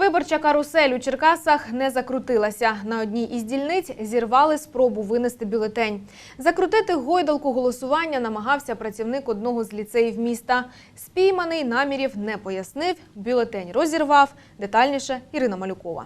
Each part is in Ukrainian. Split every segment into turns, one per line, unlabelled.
Виборча карусель у Черкасах не закрутилася. На одній із дільниць зірвали спробу винести бюлетень. Закрутити гойдалку голосування намагався працівник одного з ліцеїв міста. Спійманий намірів не пояснив, бюлетень розірвав. Детальніше Ірина Малюкова.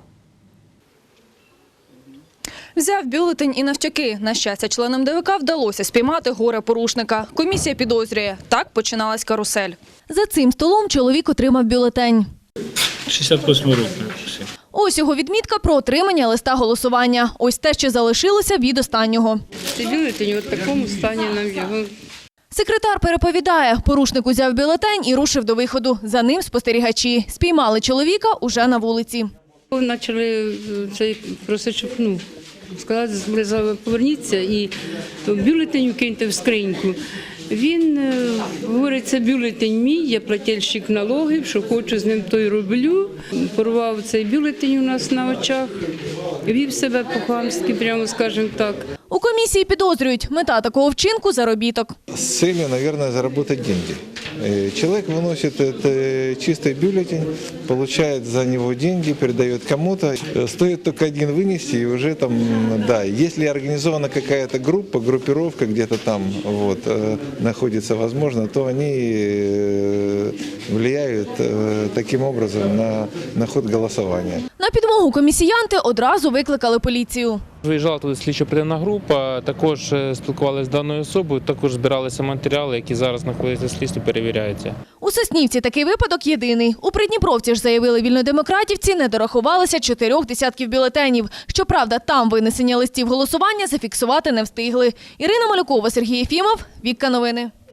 Взяв бюлетень і навтяки. На щастя, членам ДВК вдалося спіймати горе-порушника. Комісія підозрює. Так починалась карусель. За цим столом чоловік отримав бюлетень.
68 років.
Ось його відмітка про отримання листа голосування. Ось те, що залишилося від останнього.
Цей бюлетень в такому стані нам його.
Секретар переповідає, порушник узяв бюлетень і рушив до виходу. За ним спостерігачі. Спіймали чоловіка уже на вулиці.
Почали просити, щоб сказали, поверніться і бюлетень киньте в скриньку. Він говорить, це бюлетень мій, я плательщик налогів, що хочу з ним, то й роблю. Порвав цей бюлетень у нас на очах, вів себе по-хамськи, прямо скажемо так.
У комісії підозрюють, мета такого вчинку – заробіток.
С целью, наверное, заработать деньги. Человек выносит чистый бюллетень, получает за него деньги, передает кому-то. Стоит только один вынести, и уже там, да, если организована какая-то группа, группировка где-то там вот, находится, возможно, то они влияют таким образом на ход голосования.
На підмогу комісіянти одразу викликали поліцію.
Виїжджала туди слідчо-оперативна група, також спілкувалися з даною особою, також збиралися матеріали, які зараз знаходяться в слідстві, перевіряються.
У Соснівці такий випадок єдиний. У Придніпровці ж заявили вільнодемократівці, не дорахувалися 4 десятків бюлетенів. Щоправда, там винесення листів голосування зафіксувати не встигли. Ірина Малюкова, Сергій Єфімов, Вікка Новини.